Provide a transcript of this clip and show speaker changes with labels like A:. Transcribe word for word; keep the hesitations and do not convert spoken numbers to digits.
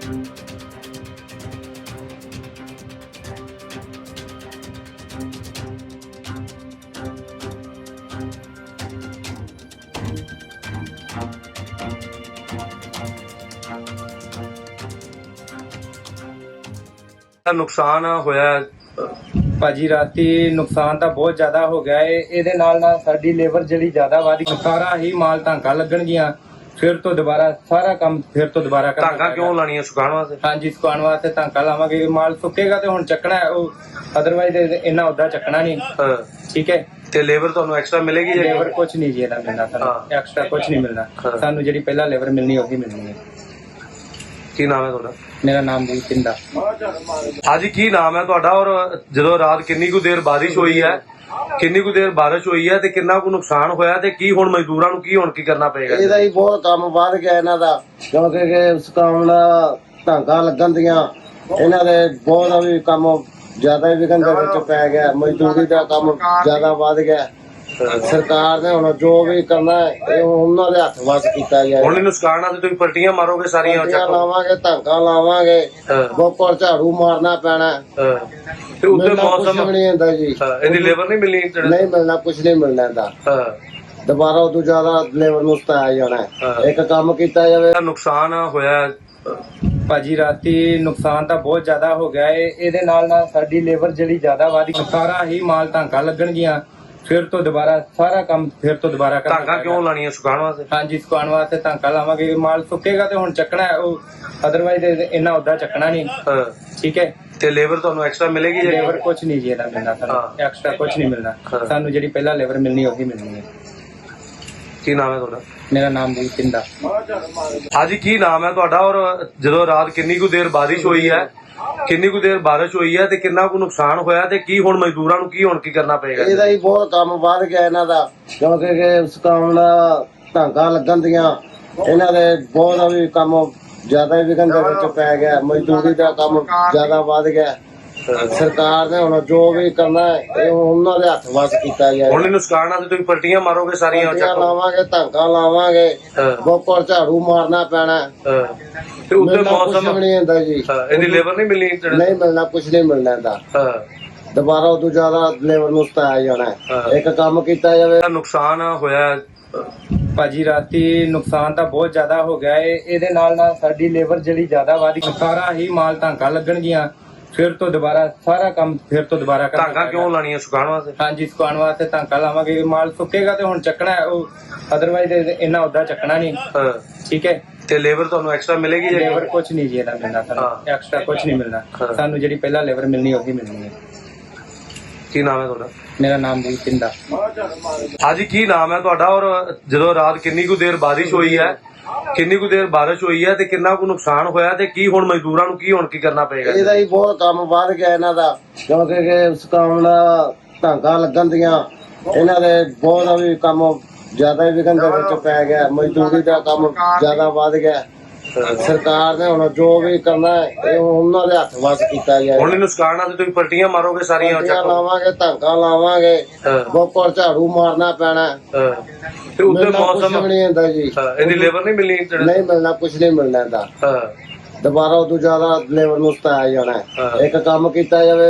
A: नुकसान होया
B: ਭਾਜੀ ਰਾਤੀ ਨੁਕਸਾਨ ਤਾਂ ਬਹੁਤ ਜ਼ਿਆਦਾ ਹੋ ਗਿਆ ਏ। ਇਹਦੇ ਨਾਲ ਨਾਲ ਸਾਡੀ ਲੇਬਰ ਜਿਹੜੀ ਜ਼ਿਆਦਾ ਵਾਦੀ ਸਾਰਾ ਹੀ ਮਾਲ ਟਾਂਕਾ ਲੱਗਣਗੀਆਂ, ਫਿਰ ਤੋਂ ਦੁਬਾਰਾ ਸਾਰਾ ਕੰਮ ਫਿਰ ਤੋਂ ਦੁਬਾਰਾ ਕਰਨਾ
A: ਟਾਂਕਾ ਕਿਉਂ ਲਾਣੀਆਂ ਸੁਕਾਉਣ ਵਾਸਤੇ?
B: ਹਾਂਜੀ, ਸੁਕਾਉਣ ਵਾਸਤੇ ਟਾਂਕਾ ਲਾਵਾਂਗੇ। ਮਾਲ ਸੁੱਕੇਗਾ ਤੇ ਹੁਣ ਚੱਕਣਾ ਹੈ, ਉਹ ਅਦਰਵਾਈਜ਼ ਇੰਨਾ ਉਦਾਂ ਚੱਕਣਾ ਨਹੀਂ।
A: ਹਾਂ
B: ਠੀਕ ਹੈ।
A: ਤੇ ਲੇਬਰ ਤੁਹਾਨੂੰ ਐਕਸਟਰਾ ਮਿਲੇਗੀ ਜੀ?
B: ਲੇਬਰ ਕੁਝ ਨਹੀਂ ਜੀ ਇਹਦਾ ਮਿਲਣਾ, ਸਾਨੂੰ ਐਕਸਟਰਾ ਕੁਝ ਨਹੀਂ ਮਿਲਣਾ। ਸਾਨੂੰ ਜਿਹੜੀ ਪਹਿਲਾਂ ਲੇਬਰ ਮਿਲਣੀ ਉਹੀ ਮਿਲਣੀ ਹੈ।
A: ਕੀ ਨਾਮ ਹੈ ਤੁਹਾਡਾ?
B: ਮੇਰਾ ਨਾਮ ਜੀ ਪਿੰਦਾ।
A: ਹਾਂਜੀ, ਕੀ ਨਾਮ ਹੈ ਤੁਹਾਡਾ? ਔਰ ਜਦੋਂ ਰਾਤ ਕਿੰਨੀ ਕੁ ਦੇਰ ਬਾਰਿਸ਼ ਹੋਈ ਹੈ, ਕਿੰਨੀ ਕੁ ਦੇਰ ਬਾਰਿਸ਼ ਹੋਈ ਹੈ ਤੇ ਕਿੰਨਾ ਕੁ ਨੁਕਸਾਨ ਹੋਇਆ ਤੇ ਕੀ ਹੁਣ ਮਜ਼ਦੂਰਾਂ ਨੂੰ ਕੀ ਹੁਣ ਕੀ ਕਰਨਾ ਪਏਗਾ?
C: ਇਹਦਾ ਹੀ ਬਹੁਤ ਕੰਮ ਵੱਧ ਗਿਆ ਇਹਨਾਂ ਦਾ, ਕਿਉਂਕਿ ਕਿ ਸੁਕਾਉਣ ਦਾ ਢਾਂਗਾ ਲੱਗਣ ਦੀਆਂ ਇਹਨਾਂ ਦੇ ਬਹੁਤ ਵੀ ਕੰਮ ਜ਼ਿਆਦਾ ਹੀ ਵਿਘਨ ਦੇ ਵਿੱਚ ਪੈ ਗਿਆ। ਮਜ਼ਦੂਰੀ ਦਾ ਕੰਮ ਜ਼ਿਆਦਾ ਵੱਧ ਗਿਆ। ਸਰਕਾਰ ਨੇ ਹੁਣ ਜੋ ਵੀ ਕਰਨਾ ਹੈ ਇਹ ਉਹਨਾਂ ਦੇ ਹੱਥ ਵੱਸ ਕੀਤਾ ਜਾਏ।
A: ਹੁਣ ਇਹਨੂੰ ਸੁਕਾਉਣ ਵਾਸਤੇ ਤੁਸੀਂ ਪਲਟੀਆਂ ਮਾਰੋਗੇ ਸਾਰੀਆਂ?
C: ਪਲਟੀਆਂ ਲਾਵਾਂਗੇ, ਢਾਂਗਾ ਲਾਵਾਂਗੇ, ਗੋਪਰ ਝਾੜੂ ਮਾਰਨਾ ਪੈਣਾ।
A: ਤੇ ਉੱਤੇ ਮੌਸਮ
C: ਕੁਝ ਨਹੀਂ ਹੁੰਦਾ ਜੀ,
A: ਇਹਦੀ ਲੇਬਰ ਨਹੀਂ ਮਿਲਣੀ?
C: ਨਹੀਂ ਮਿਲਣਾ, ਕੁਝ ਨਹੀਂ ਮਿਲਣਾ ਇਹਦਾ। ਦੁਬਾਰਾ ਉਦੋਂ ਜ਼ਿਆਦਾ ਲੇਬਰ ਨੂੰ ਸਤਾਇਆ ਜਾਣਾ। ਇੱਕ ਕੰਮ ਕੀਤਾ ਜਾਵੇ।
A: ਨੁਕਸਾਨ ਹੋਇਆ
B: ਭਾਜੀ ਰਾਤੀ ਨੁਕਸਾਨ ਤਾਂ ਬਹੁਤ ਜ਼ਿਆਦਾ ਹੋ ਗਿਆ ਏ। ਇਹਦੇ ਨਾਲ ਨਾਲ ਸਾਡੀ ਲੇਬਰ ਜਿਹੜੀ ਜ਼ਿਆਦਾ ਵਾਦੀ ਸਾਰਾ ਹੀ ਮਾਲ ਟਾਂਕਾ ਲੱਗਣਗੀਆਂ, ਫਿਰ ਤੋਂ ਦੁਬਾਰਾ ਸਾਰਾ ਕੰਮ ਫਿਰ ਤੋਂ ਦੁਬਾਰਾ ਕਰਨਾ।
A: ਟਾਂਕਾ ਕਿਉਂ ਲਾਣੀਆਂ ਸੁਕਾਉਣ ਵਾਸਤੇ?
B: ਹਾਂਜੀ, ਸੁਕਾਉਣ ਵਾਸਤੇ ਟਾਂਕਾ ਲਾਵਾਂਗੇ। ਮਾਲ ਸੁੱਕੇਗਾ ਤੇ ਹੁਣ ਚੱਕਣਾ ਹੈ, ਉਹ ਅਦਰਵਾਈਜ਼ ਇੰਨਾ ਉਦਾਂ ਚੱਕਣਾ ਨਹੀਂ। ਠੀਕ ਹੈ।
A: ਤੇ ਲੇਬਰ ਤੁਹਾਨੂੰ ਐਕਸਟਰਾ ਮਿਲੇਗੀ ਜੀ?
B: ਲੇਬਰ ਕੁਝ ਨਹੀਂ ਜੀ ਇਹਦਾ ਮਿਲਣਾ, ਸਾਨੂੰ ਐਕਸਟਰਾ ਕੁਝ ਨਹੀਂ ਮਿਲਣਾ। ਸਾਨੂੰ ਜਿਹੜੀ ਪਹਿਲਾਂ ਲੇਬਰ ਮਿਲਣੀ ਉਹੀ ਮਿਲਣੀ ਹੈ।
A: ਕੀ ਨਾਮ ਹੈ ਤੁਹਾਡਾ?
B: ਮੇਰਾ ਨਾਮ ਜੀ ਪਿੰਦਾ।
A: ਹਾਂਜੀ, ਕੀ ਨਾਮ ਹੈ ਤੁਹਾਡਾ? ਔਰ ਜਦੋਂ ਰਾਤ ਕਿੰਨੀ ਕੁ ਦੇਰ ਬਾਰਿਸ਼ ਹੋਈ ਹੈ, ਕਿੰਨੀ ਕੁ ਦੇਰ ਬਾਰਿਸ਼ ਹੋਈ ਹੈ ਤੇ ਕਿੰਨਾ ਕੁ ਨੁਕਸਾਨ ਹੋਇਆ ਤੇ ਕੀ ਹੁਣ ਮਜ਼ਦੂਰਾਂ ਨੂੰ ਕੀ ਹੁਣ ਕੀ ਕਰਨਾ ਪਏਗਾ?
C: ਇਹਦਾ ਹੀ ਬਹੁਤ ਕੰਮ ਵੱਧ ਗਿਆ ਇਹਨਾਂ ਦਾ, ਕਿਉਂਕਿ ਕਿ ਸੁਕਾਉਣ ਦਾ ਢਾਂਗਾ ਲੱਗਣ ਦੀਆਂ ਇਹਨਾਂ ਦੇ ਬਹੁਤ ਵੀ ਕੰਮ ਜ਼ਿਆਦਾ ਹੀ ਵਿਘਨ ਦੇ ਵਿੱਚ ਪੈ ਗਿਆ। ਮਜ਼ਦੂਰੀ ਦਾ ਕੰਮ ਜ਼ਿਆਦਾ ਵੱਧ ਗਿਆ। ਸਰਕਾਰ ਨੇ ਹੁਣ ਜੋ ਵੀ ਕਰਨਾ ਹੈ ਇਹ ਉਹਨਾਂ ਦੇ ਹੱਥ ਵੱਸ ਕੀਤਾ ਜਾਏ।
A: ਹੁਣ ਇਹਨੂੰ ਸੁਕਾਉਣ ਵਾਸਤੇ ਤੁਸੀਂ ਪਲਟੀਆਂ ਮਾਰੋਗੇ ਸਾਰੀਆਂ?
C: ਪਲਟੀਆਂ ਲਾਵਾਂਗੇ, ਢਾਂਗਾ ਲਾਵਾਂਗੇ, ਗੋਪਰ ਝਾੜੂ ਮਾਰਨਾ ਪੈਣਾ।
A: ਤੇ ਉੱਤੇ ਮੌਸਮ
C: ਨਹੀਂ ਹੁੰਦਾ ਜੀ,
A: ਇਹਦੀ ਲੇਬਰ ਨਹੀਂ ਮਿਲਣੀ?
C: ਨਹੀਂ ਮਿਲਣਾ, ਕੁਝ ਨਹੀਂ ਮਿਲਣਾ ਇਹਦਾ। ਦੁਬਾਰਾ ਉਦੋਂ ਜ਼ਿਆਦਾ ਲੇਬਰ ਨੂੰ ਸਤਾਇਆ ਜਾਣਾ। ਇੱਕ ਕੰਮ ਕੀਤਾ ਜਾਵੇ।
A: ਨੁਕਸਾਨ ਹੋਇਆ
B: ਭਾਜੀ ਰਾਤੀ ਨੁਕਸਾਨ ਤਾਂ ਬਹੁਤ ਜ਼ਿਆਦਾ ਹੋ ਗਿਆ ਏ। ਇਹਦੇ ਨਾਲ ਨਾਲ ਸਾਡੀ ਲੇਬਰ ਜਿਹੜੀ ਜ਼ਿਆਦਾ ਵਾਦੀ ਸਾਰਾ ਹੀ ਮਾਲ ਟਾਂਕਾ ਲੱਗਣਗੀਆਂ, ਫਿਰ ਤੋਂ ਦੁਬਾਰਾ ਸਾਰਾ ਕੰਮ ਫਿਰ ਤੋਂ ਦੁਬਾਰਾ ਕਰਨਾ।
A: ਟਾਂਕਾ ਕਿਉਂ ਲਾਣੀਆਂ ਸੁਕਾਉਣ ਵਾਸਤੇ?
B: ਹਾਂਜੀ, ਸੁਕਾਉਣ ਵਾਸਤੇ ਟਾਂਕਾ ਲਾਵਾਂਗੇ। ਮਾਲ ਸੁੱਕੇਗਾ ਤੇ ਹੁਣ ਚੱਕਣਾ ਹੈ, ਉਹ ਅਦਰਵਾਈਜ਼ ਇੰਨਾ ਉਦਾਂ ਚੱਕਣਾ ਨਹੀਂ। ਠੀਕ ਹੈ।
A: ਤੇ ਲੇਬਰ ਤੁਹਾਨੂੰ ਐਕਸਟਰਾ ਮਿਲੇਗੀ ਜੀ?
B: ਲੇਬਰ ਕੁਝ ਨਹੀਂ ਜੀ ਇਹਦਾ ਮਿਲਣਾ, ਸਾਨੂੰ ਐਕਸਟਰਾ ਕੁਝ ਨਹੀਂ ਮਿਲਣਾ। ਸਾਨੂੰ ਜਿਹੜੀ ਪਹਿਲਾਂ ਲੇਬਰ ਮਿਲਣੀ ਉਹੀ ਮਿਲਣੀ ਹੈ।
A: ਕੀ ਨਾਮ ਹੈ ਤੁਹਾਡਾ?
B: ਮੇਰਾ ਨਾਮ ਜੀ ਪਿੰਦਾ।
A: ਹਾਂਜੀ, ਕੀ ਨਾਮ ਹੈ ਤੁਹਾਡਾ? ਔਰ ਜਦੋਂ ਰਾਤ ਕਿੰਨੀ ਕੁ ਦੇਰ ਬਾਰਿਸ਼ ਹੋਈ ਹੈ, ਕਿੰਨੀ ਕੁ ਦੇਰ ਬਾਰਿਸ਼ ਹੋਈ ਹੈ ਤੇ ਕਿੰਨਾ ਕੁ ਨੁਕਸਾਨ ਹੋਇਆ ਤੇ ਕੀ ਹੁਣ ਮਜ਼ਦੂਰਾਂ ਨੂੰ ਕੀ ਹੁਣ ਕੀ ਕਰਨਾ ਪਏਗਾ?
C: ਇਹਦਾ ਹੀ ਬਹੁਤ ਕੰਮ ਵੱਧ ਗਿਆ ਇਹਨਾਂ ਦਾ, ਕਿਉਂਕਿ ਕਿ ਸੁਕਾਉਣ ਦਾ ਢਾਂਗਾ ਲੱਗਣ ਦੀਆਂ ਇਹਨਾਂ ਦੇ ਬਹੁਤ ਵੀ ਕੰਮ ਜ਼ਿਆਦਾ ਹੀ ਵਿਘਨ ਦੇ ਵਿੱਚ ਪੈ ਗਿਆ। ਮਜ਼ਦੂਰੀ ਦਾ ਕੰਮ ਜ਼ਿਆਦਾ ਵੱਧ ਗਿਆ। ਸਰਕਾਰ ਨੇ ਹੁਣ ਜੋ ਵੀ ਕਰਨਾ ਹੈ ਇਹ ਉਹਨਾਂ ਦੇ ਹੱਥ ਵੱਸ ਕੀਤਾ ਜਾਏ।
A: ਹੁਣ ਇਹਨੂੰ ਸੁਕਾਉਣ ਵਾਸਤੇ ਤੁਸੀਂ ਪਲਟੀਆਂ ਮਾਰੋਗੇ ਸਾਰੀਆਂ?
C: ਪਲਟੀਆਂ ਲਾਵਾਂਗੇ, ਢਾਂਗਾ ਲਾਵਾਂਗੇ, ਗੋਪਰ ਝਾੜੂ ਮਾਰਨਾ ਪੈਣਾ।
A: ਤੇ ਉੱਤੇ ਮੌਸਮ
C: ਨਹੀਂ ਹੁੰਦਾ ਜੀ,
A: ਇਹਦੀ ਲੇਬਰ ਨਹੀਂ ਮਿਲਣੀ?
C: ਨਹੀਂ ਮਿਲਣਾ, ਕੁਝ ਨਹੀਂ ਮਿਲਣਾ ਇਹਦਾ। ਦੁਬਾਰਾ ਉਦੋਂ ਜ਼ਿਆਦਾ ਲੇਬਰ ਨੂੰ ਸਤਾਇਆ ਜਾਣਾ। ਇੱਕ ਕੰਮ ਕੀਤਾ ਜਾਵੇ।